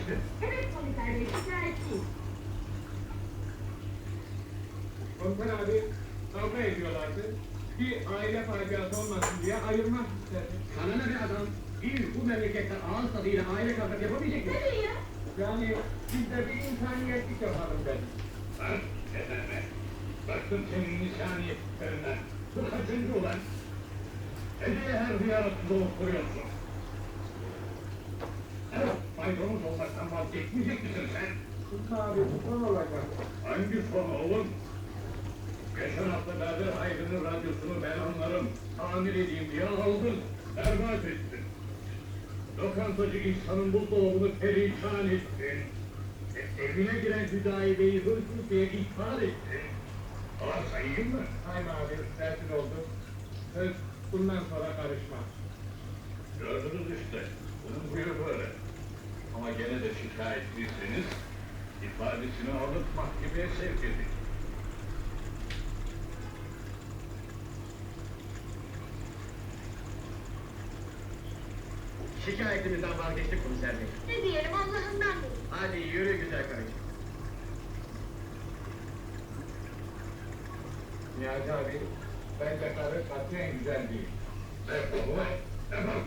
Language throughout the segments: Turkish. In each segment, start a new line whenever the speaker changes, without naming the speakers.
misin?
Evet komiser bey, şikayetçiyim.
Komiser abi, kavga ediyorlardı. Bir aile faciası olmasın diye ayırmak istedi.
Sana ne be adam? Biz bu memlekette ağız tadıyla aile kavgası yapabilecek miyiz?
Tabii ya.
Yani biz de bir insaniyetlik yapalım dedik.
Lan yeter be! Baktım senin insaniyetliklerinden. Bu kaçıncı ulan? Hediye her hıyara tutup kuruyorsun. Evet, maydanoz olmaktan vazgeçmeyecek misin sen?
Şimdi abi son olacak.
Hangi son oğlum? Geçen hafta Berber Aydın'ın radyosunu ben anlarım, tamir edeyim diye aldın, berbat ettin. Lokantacı insanın buzdolabını perişan ettin. Evine giren Hüdayi Bey'i hırsız diye ihbar ettin. Ama sayayım mı?
Hayır abi, rezil oldum. Söz bundan sonra karışmaz.
Gördünüz işte, bunun huyu böyle. Ama gene de şikayetliyseniz, ifadesini alıp mahkemeye sevk edin.
Şikayetimizden vazgeçtik komiser bey.
Ne diyelim Allah'ından beri.
Hadi yürü güzel karıcığım.
Niyazi abi, bence karı katiyen güzel değil.
Defol ulan, defol!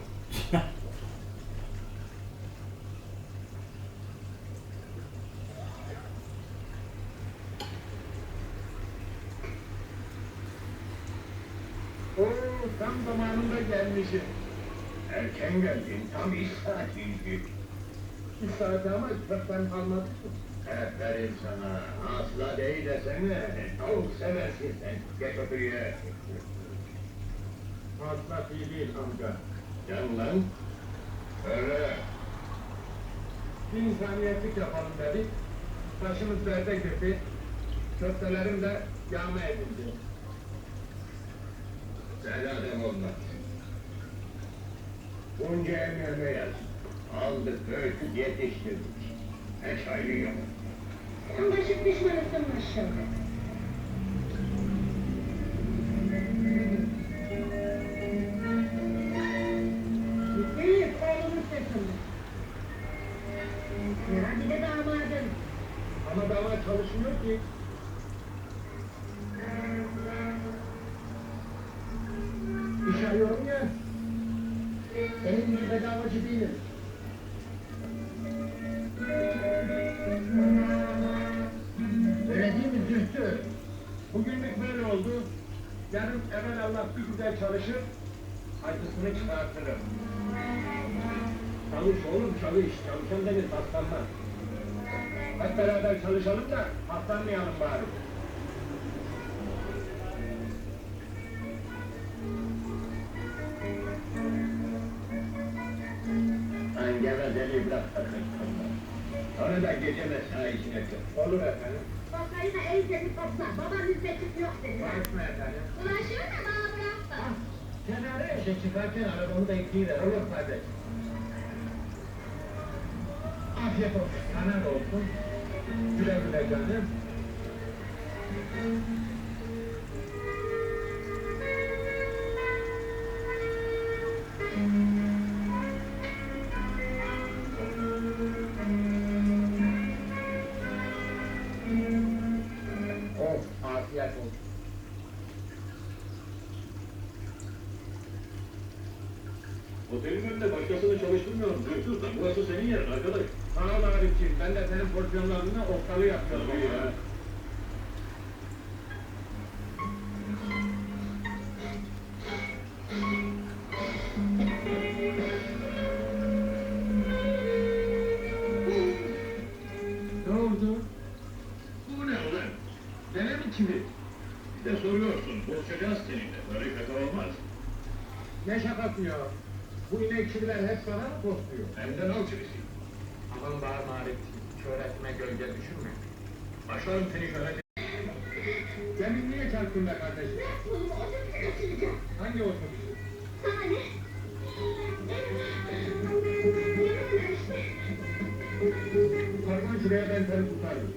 Oo, tam zamanında gelmişim.
Erken geldin, tam iş saatiydi.
Bir saate ama çoktan kalmadı ki.
Aferin sana, asla değil desene. Tavuk seversin sen, geç otur ye.
Fazla iyi değil amca.
Gel lan. Öyle.
Bir insaniyetlik yapalım dedik. Başımız derde girdi. Köftelerim de yağma edildi.
Sen adam olmaz. Bunca emeğime yaz. Aldık, büyüttük, yetiştirdik. Hiç hayrı yok.
Sen başı düşmanısın maşallah. Gitmeyiz oğlumun sesini. Ya bir de damadın.
Ama damat çalışmıyor ki. İş arıyorum ya. Senin gibi bedavacı değilim. Öyle değil mi Zühtü? Bugünlük böyle oldu. Yarın evvelallah bir güzel çalışır, acısını çıkartırım. Çalış oğlum çalış, çalışan deniz paslanmaz. Hep beraber çalışalım da paslanmayalım bari.
Sen gevezeliği bırak sakın. Sonra da gece mesaisine çık.
Olur efendim.
Sofrayı da el seni topla. Baban hizmetçisi yok dediler.
Konuşma efendim.
Ulaşıyor da bana bırakma.
Kenara işe çıkarken arabamı da yıkayıver, olur kardeş. Afiyet olsun, sana da olsun. Güle güle canım. Of, afiyet olsun.
Otelin önünde başkasını çalıştırmıyorum. Zühtü, burası senin yerin arkadaş.
Sağ ol Arif'ciğim, ben de senin porsiyonlarını okkalı yapıyorum.
Tabii ya.
Ne oldu?
Bu ne ulan?
Gene mi kimi?
Bir de soruyorsun, buluşacağız seninle. Böyle şaka olmaz.
Ne şakası ya? Bu inekçiler hep sana mı postluyor?
Benden al çivisi.
Aman bağırma Arif'ciğim, şöhretime gölge düşürme.
Başlarım seni şöyle.
Demin niye çarptın be kardeşim?
Bırak oğlumu otobüse kaçıracağım.
Hangi otobüsü?
Sana ne? Yanımda işte.
Sarkın şuraya ben seni tutarım.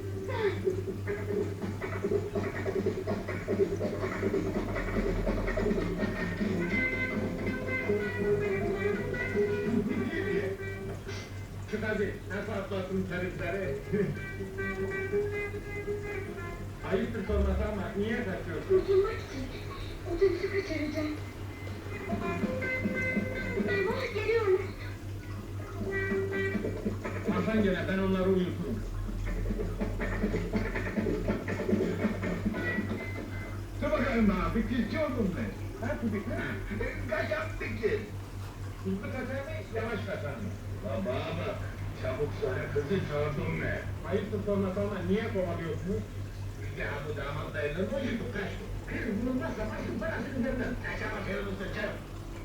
Çıkar
hadi, nasıl atlattın terikleri? Ayıptır sorması ama niye kaçıyorsun?
Kurtulmak için otobüsü kaçıracağım. Eyvah geliyorlar.
Hasan gene, ben onları uyuturum.
Dur bakalım bana, fikirci oldum ben. Ha Tübük ha? Kaçan fikir.
Hızlı kaçar mı, yavaş kaçar mı?
Lan bana bak, çabuk söyle kızı çağırdın ne?
Ayıptır sorması ama niye kovalıyorsunuz?
Ya bu damat da elini mi yıkıp kaçtı? Kız bulunmazsa başın parasını vermem. Kaçamaz yolunu seçerim.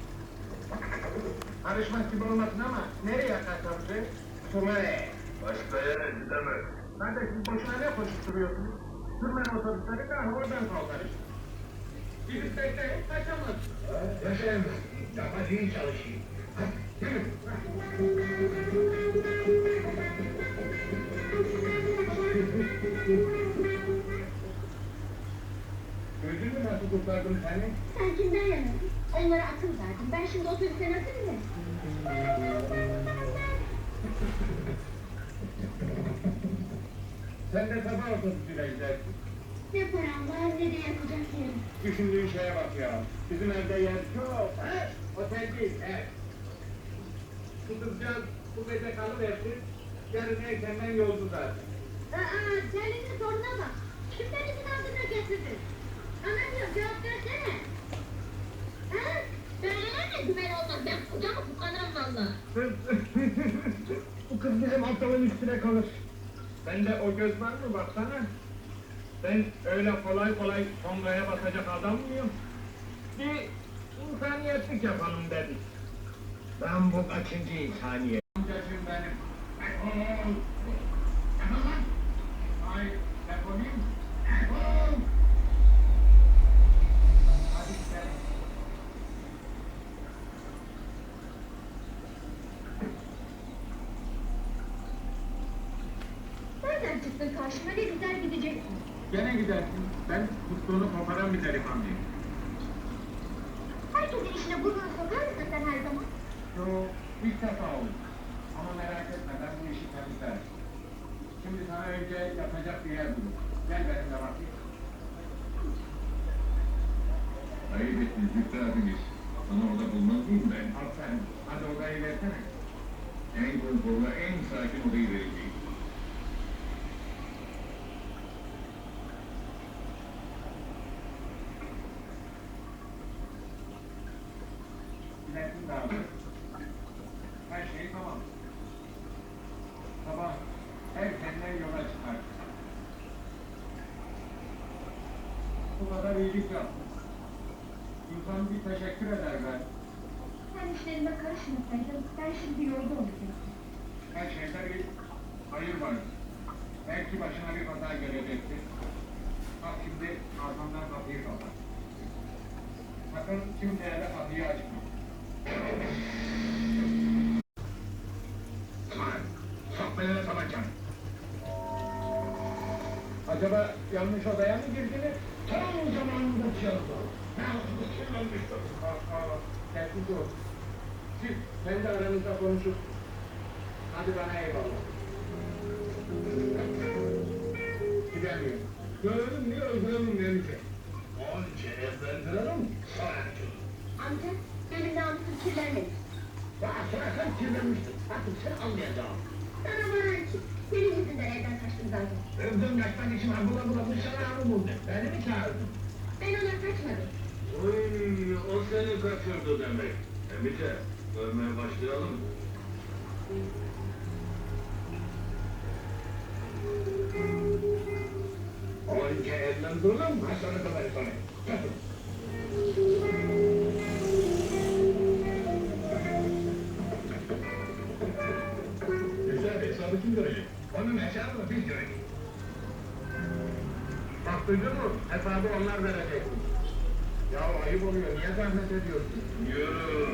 Karışmak gibi olmasın ama nereye kaçarsın?
Sumere. Başka yere gidemez.
Kardeşim boşuna ne koşuşturuyorsunuz? Sürmen otobüsleri de oradan kalkarız. Gidip bekleyin, kaçamaz.
Yaşayın. Daha iyi çalışayım.
Gördün mü nasıl kurtardım seni?
Sen kimden yanasın? Onlara akıl verdim. Ben şimdi otobüse nasıl binerim?
Sen de sabah otobüsüyle gidersin.
Ne param var ne de yapacak yerim.
Düşündüğün şeye bak ya. Bizim evde yer çok. He? Otel değil, ev. Bu kızcağız bu gece kalıversin. Yarın erkenden yolcu zaten.
Selin'in soruna bak. Kim beni sınavına getirdi? Anlamıyorum cevap versene. Ha? Böylelerle güven olmaz. Ben kocamı kıskanırım valla.
Bu kız bizim aptalın üstüne kalır. Bende o göz var mı baksana. Ben öyle kolay kolay tongaya basacak adam mıyım? Bir insaniyetlik yapalım dedik.
Ben bu kaçıncı insaniyet?
Amcacığım benim. Defol! Defol lan! Hayır, defolayım. Defol! Hadi gidelim.
Nereden çıktın karşıma ne güzel gideceksin.
Gene gidersin. Ben tuttuğunu koparan bir delikanlıyım.
Herkesin işine burnunu sokar mısın sen her zaman?
Yo, ilk defa oldu. Ama merak etme, ben bu işi temizlerim. Şimdi sana önce yapacak bir yer bulur. Gel benimle bakayım.
Ayıp ettiniz Zühtü abiniz. Sana orada bulmaz mıyım ben?
Al sen, hadi odayı versene.
En konforlu, en sakin odayı vereceğim.
Biletin de aldım. Her şey tamam. Sabah erkenden yola çıkar. Bu kadar iyilik yaptın. İnsan bir teşekkür eder ben.
Sen işlerime karışmasaydın ben şimdi yolda olacaktım.
Her şeyde bir hayır var. Belki başına bir kaza gelecekti. Bak şimdi arkamdan kapıyı kapat. Sakın kimseye de kapıyı açma.
Aman, sok beni de savaşacağım.
Acaba yanlış odaya mı girdiniz?
Tam zamanında çaldı. Ne oldu, kirlenmiştim.
Tehdit ol. Siz kendi aranızda konuşup hadi bana eyvallah. Gidemiyorum.
Gördüm diye özlemim neyse. Onca evlendirelim, sonra
Amca benim namusum kirlenmedi.
daha sonra sen kirlenmiştin. Artık sen anlayacağım.
Sana bana ki senin yüzünden evden kaçtım zaten.
Evden kaçmak için abla dışarı ağrı buldu. Beni mi çağırdın?
Ben ona kaçmadım.
O seni kaçırdı demek. Emice, görmeye başlayalım.
Onca evlendirelim, sonra da beni sonra. Yapın. Güzel hesabı kim görecek? Onun hesabını biz görelim.
Bak duydun mu? Hesabı onlar verecek. Ya ayıp oluyor, niye zahmet ediyorsun?
Yürü.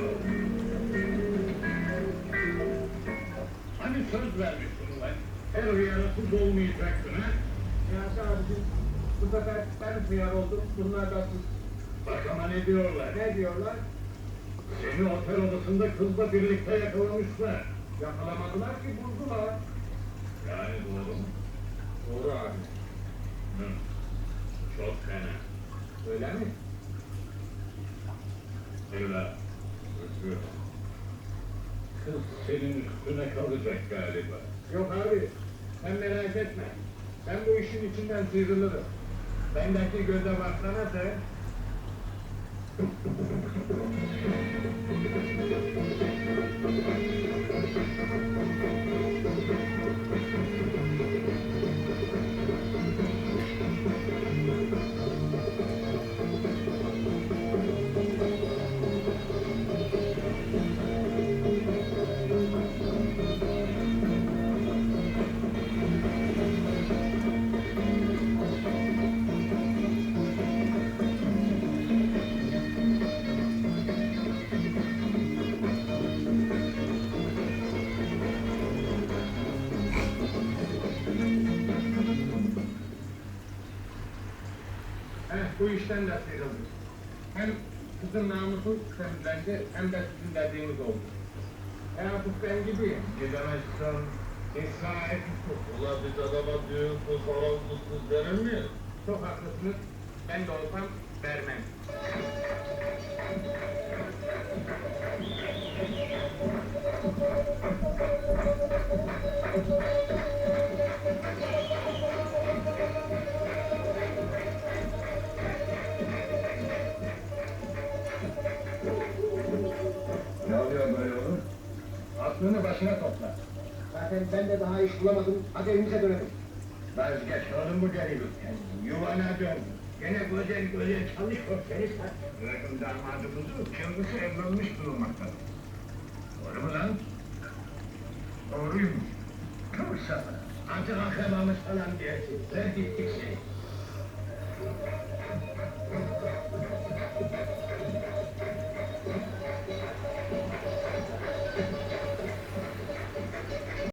Hani söz vermiştin ulan? Her uyarısız olmayacaktın ha?
Ya abicim, bu sefer ben hıyar oldum, bunlar da siz.
Bak ama ne diyorlar?
Ne diyorlar?
Seni otel odasında kızla birlikte yakalamışlar. Yakalamadılar ki vurdular.
Yani doğru mu?
Doğru abi.
Hı. Çok fena.
Öyle mi?
Öyle. Üzgün. Kız senin üstüne kalacak galiba.
Yok abi. Sen merak etme. Ben bu işin içinden sıyrılırım. Bendeki göze baksana sen. Bu işten de sıyrıldık. Hem kızın namusu temizlendi, hem de sizin dediğiniz oldu. Artık ben gideyim.
Gidemezsen ısrar etme. Ulan biz adama diyoruz, bu falan mutsuz verir miyiz?
Çok haklısınız. Ben de olsam vermem.
Ne oluyor böyle oğlum?
Aklını başına topla. Zaten ben de daha iş bulamadım. Hadi evimize dönelim.
Vazgeç oğlum bu delilikten. Yuvana dön. Gene gözel çalışıyor seni saç. Bırakın damadımızı, kendisi evlenmiş bulunmaktadır. Doğru mu lan? Doğruymuş. Çok sağ. Artık akrabamız falan diyorsun. Ver gittik seni.